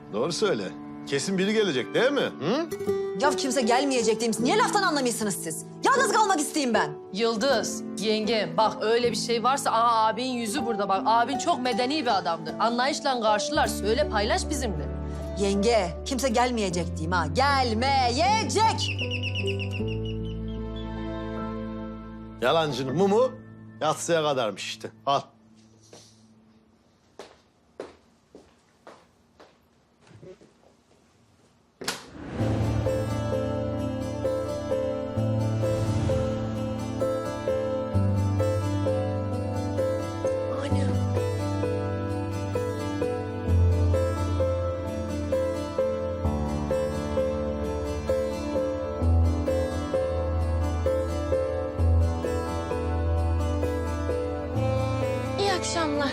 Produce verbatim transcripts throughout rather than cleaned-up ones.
Doğru söyle. Kesin biri gelecek değil mi? Hı? Ya kimse gelmeyecek demiş. Niye laftan anlamıyorsunuz siz? Yalnız kalmak isteyeyim ben. Yıldız, yenge bak öyle bir şey varsa aha abin yüzü burada bak. Abin çok medeni bir adamdır. Anlayışla karşılar. Söyle paylaş bizimle. Yenge, kimse gelmeyecek diyeyim ha. Gelmeyecek. Yalancının mumu yatsıya kadarmış işte. Al. İyi akşamlar.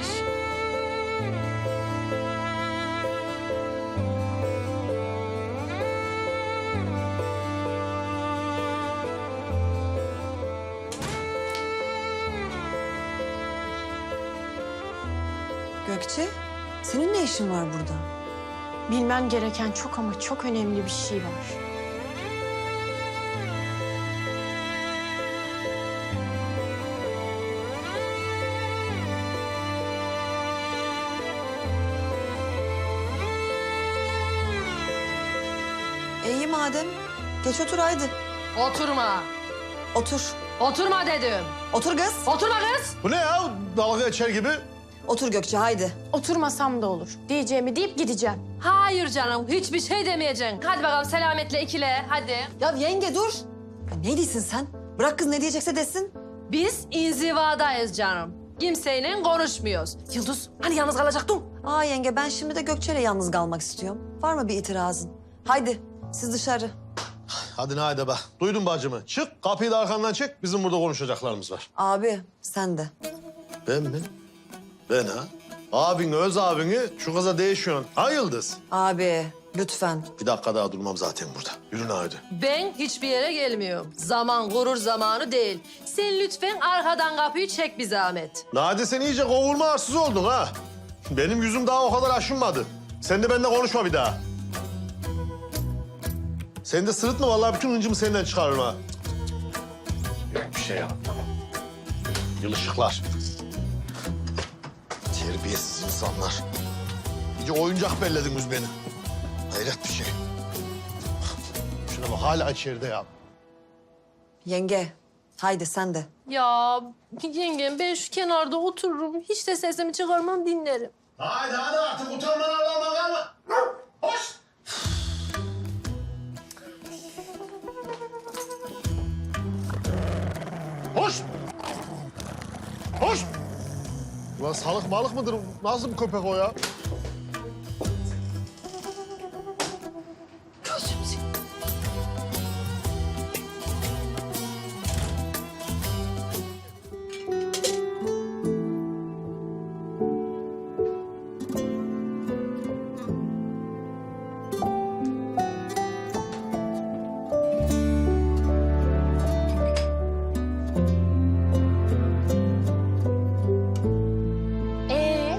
Gökçe, senin ne işin var burada? Bilmen gereken çok ama çok önemli bir şey var. İyi madem. Geç otur haydi. Oturma. Otur. Oturma dedim. Otur kız. Oturma kız. Bu ne ya? Dalga geçer gibi. Otur Gökçe haydi. Oturmasam da olur. Diyeceğimi deyip gideceğim. Hayır canım hiçbir şey demeyeceksin. Hadi bakalım selametle ikile hadi. Ya yenge dur. Ya ne diyorsun sen? Bırak kız ne diyecekse desin. Biz inzivadayız canım. Kimseyle konuşmuyoruz. Yıldız hani yalnız kalacaktın? Aa yenge ben şimdi de Gökçe'yle yalnız kalmak istiyorum. Var mı bir itirazın? Haydi siz dışarı. Hadi haydi be. Duydun bacımı. Çık kapıyı da arkandan çek. Bizim burada konuşacaklarımız var. Abi sen de. Ben mi? Ben ha? Abin, öz abini şu kıza değişiyorsun. Ha Yıldız? Abi lütfen. Bir dakika daha durmam zaten burada. Yürü haydi. Ben hiçbir yere gelmiyorum. Zaman gurur zamanı değil. Sen lütfen arkadan kapıyı çek bir zahmet. Nade sen iyice kovulma arsız oldun ha. Benim yüzüm daha o kadar aşınmadı. Sen de benimle konuşma bir daha. Sen de sırıtma vallahi bütün hıncımı senden çıkarırım ha. Yok bir şey ya. Yılışıklar. Terbiyesiz insanlar. İyice oyuncak bellediniz beni. Hayret bir şey. Şuna bak hala içeride ya. Yenge haydi sen de. Ya yengem ben şu kenarda otururum. Hiç de sesimi çıkarmam dinlerim. Haydi hadi artık utanman Allah'ıma kalma. Hoş. Hoş. Hoş. Ulan salık balık mıdır? Nasıl bir köpek o ya? Ee?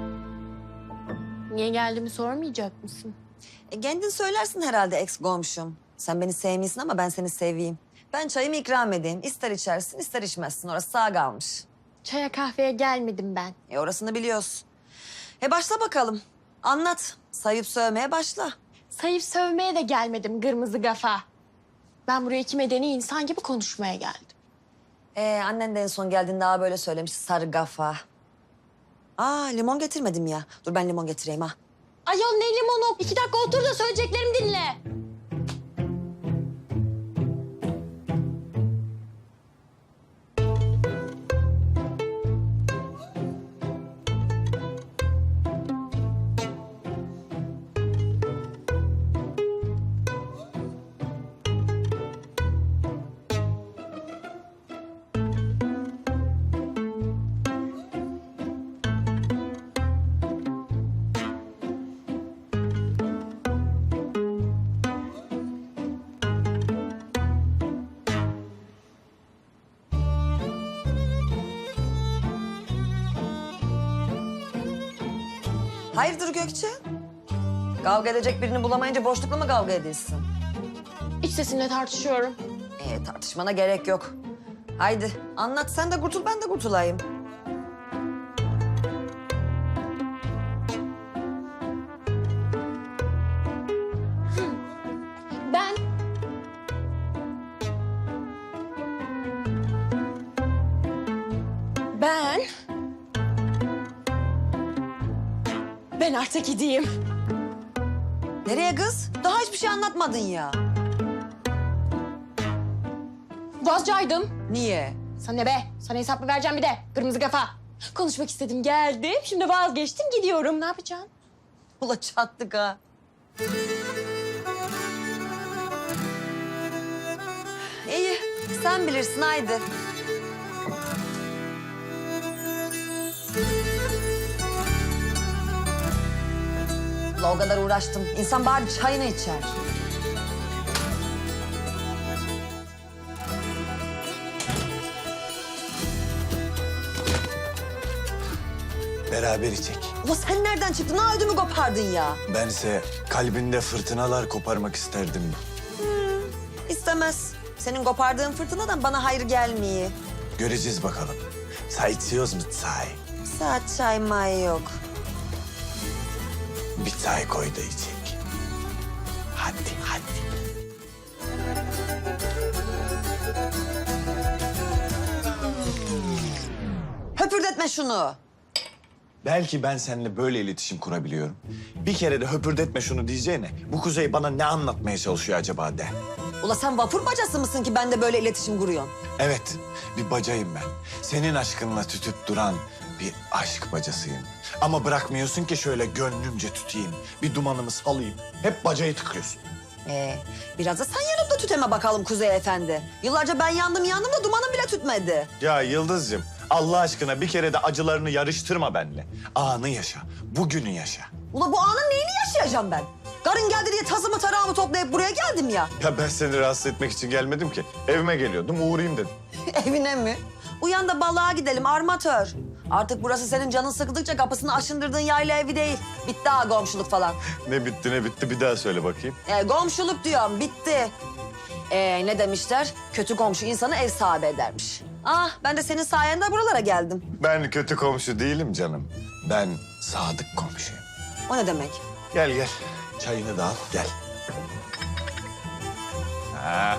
Niye geldiğimi sormayacak mısın? E, kendin söylersin herhalde ex komşum. Sen beni sevmiyorsun ama ben seni seveyim. Ben çayımı ikram edeyim. İster içersin ister içmezsin. Orası sağ kalmış. Çaya kahveye gelmedim ben. E orasını biliyorsun. E başla bakalım. Anlat. Sayıp sövmeye başla. Sayıp sövmeye de gelmedim kırmızı kafa. Ben buraya iki medeni insan gibi konuşmaya geldim. Ee, annen de en son geldiğinde daha böyle söylemiş sarı kafa. Aa limon getirmedim ya. Dur ben limon getireyim ha. Ayol ne limonu? İki dakika otur da söyleyeceklerimi dinle. Hayırdır Gökçe? Kavga edecek birini bulamayınca boşlukla mı kavga edilsin? İç sesimle tartışıyorum. Ee, tartışmana gerek yok. Haydi anlat sen de kurtul ben de kurtulayım. Ben... Ben... Ben artık gideyim. Nereye kız? Daha hiçbir şey anlatmadın ya. Vazcaydım. Niye? Sana ne be? Sana hesap mı vereceğim bir de? Kırmızı kafa. Konuşmak istedim, geldim. Şimdi vazgeçtim, gidiyorum. Ne yapacaksın? Ula çattık ha. İyi, sen bilirsin haydi. Ula o kadar uğraştım. İnsan bari çayını içer. Beraber içek. Ula sen nereden çıktın? Ha ödümü kopardın ya. Bense kalbinde fırtınalar koparmak isterdim. İstemez. Senin kopardığın fırtınadan bana hayır gelmiyor. Göreceğiz bakalım. Çay içiyoruz mu çay? Saat çay may yok. Bir çay koy da içek. Hadi hadi. Höpürdetme şunu. Belki ben seninle böyle iletişim kurabiliyorum. Bir kere de höpürdetme şunu diyeceğine bu Kuzey bana ne anlatmaya çalışıyor acaba de. Ula sen vapur bacası mısın ki ben de böyle iletişim kuruyorsun? Evet, bir bacayım ben. Senin aşkınla tütüp duran bir aşk bacasıyım. Ama bırakmıyorsun ki şöyle gönlümce tutayım, bir dumanımı salayım. Hep bacayı tıkıyorsun. Ee, biraz da sen yanımda tüteme bakalım Kuzey Efendi. Yıllarca ben yandım yandım da dumanım bile tütmedi. Ya Yıldız'cığım, Allah aşkına bir kere de acılarını yarıştırma benimle. Anı yaşa, bugünü yaşa. Ula bu anın neyini yaşayacağım ben? Karın geldi diye tazımı tarağımı toplayıp buraya geldim ya. Ya ben seni rahatsız etmek için gelmedim ki. Evime geliyordum, uğrayayım dedim. Evine mi? Uyan da balığa gidelim armatör. Artık burası senin canın sıkıldıkça kapısını aşındırdığın yayla evi değil. Bitti ha komşuluk falan. Ne bitti ne bitti bir daha söyle bakayım. Ee, komşuluk diyorum bitti. Ee, ne demişler? Kötü komşu insanı ev sahibi edermiş. Ah ben de senin sayende buralara geldim. Ben kötü komşu değilim canım. Ben sadık komşuyum. O ne demek? Gel gel, çayını da al, gel. Ha,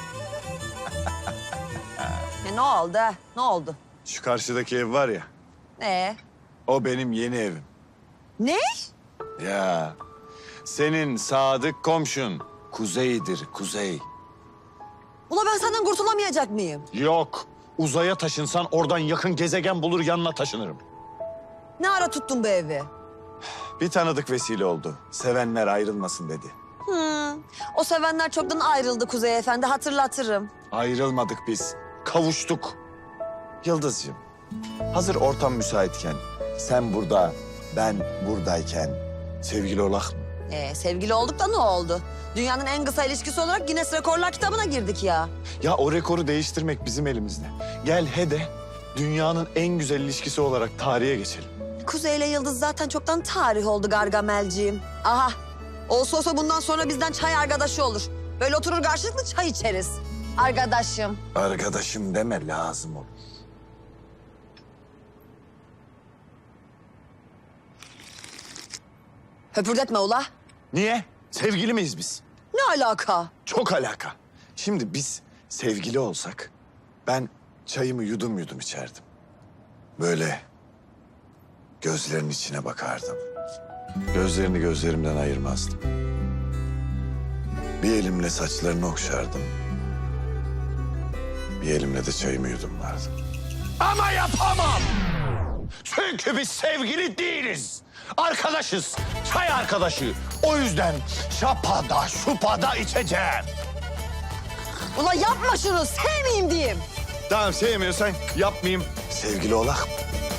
Ya ne oldu? ha? Ne oldu? şu karşıdaki ev var ya, Ee, o benim yeni evim. ne? Ya, senin sadık komşun Kuzey'dir, Kuzey. Ula ben senden kurtulamayacak mıyım? Yok, uzaya taşınsan oradan yakın gezegen bulur yanına taşınırım. Ne ara tuttun bu evi? Bir tanıdık vesile oldu. Sevenler ayrılmasın dedi. Hmm, o sevenler çoktan ayrıldı Kuzey Efendi hatırlatırım. Ayrılmadık biz, kavuştuk. Yıldızcığım, hazır ortam müsaitken, sen burada, ben buradayken sevgili olak mı? Ee, sevgili olduk da ne oldu? Dünyanın en kısa ilişkisi olarak Guinness Rekorlar kitabına girdik ya. Ya o rekoru değiştirmek bizim elimizde. Gel he de dünyanın en güzel ilişkisi olarak tarihe geçelim. Kuzey ile Yıldız zaten çoktan tarih oldu Gargamelciğim. Aha, olsa olsa bundan sonra bizden çay arkadaşı olur. Böyle oturur karşılıklı çay içeriz. Arkadaşım. Arkadaşım deme lazım olur. Höpürdetme ula. Niye? Sevgili miyiz biz? Ne alaka? Çok alaka. Şimdi biz sevgili olsak ben çayımı yudum yudum içerdim. Böyle gözlerinin içine bakardım. Gözlerini gözlerimden ayırmazdım. Bir elimle saçlarını okşardım. Bir elimle de çayımı yudumlardım. Ama yapamam. Çünkü biz sevgili değiliz. Arkadaşız. Çay arkadaşı. O yüzden şapada şupada içeceğim. Ula yapma şunu, sevmeyeyim diyeyim. Tamam sevmiyorsan yapmayayım. Sevgili olak mı?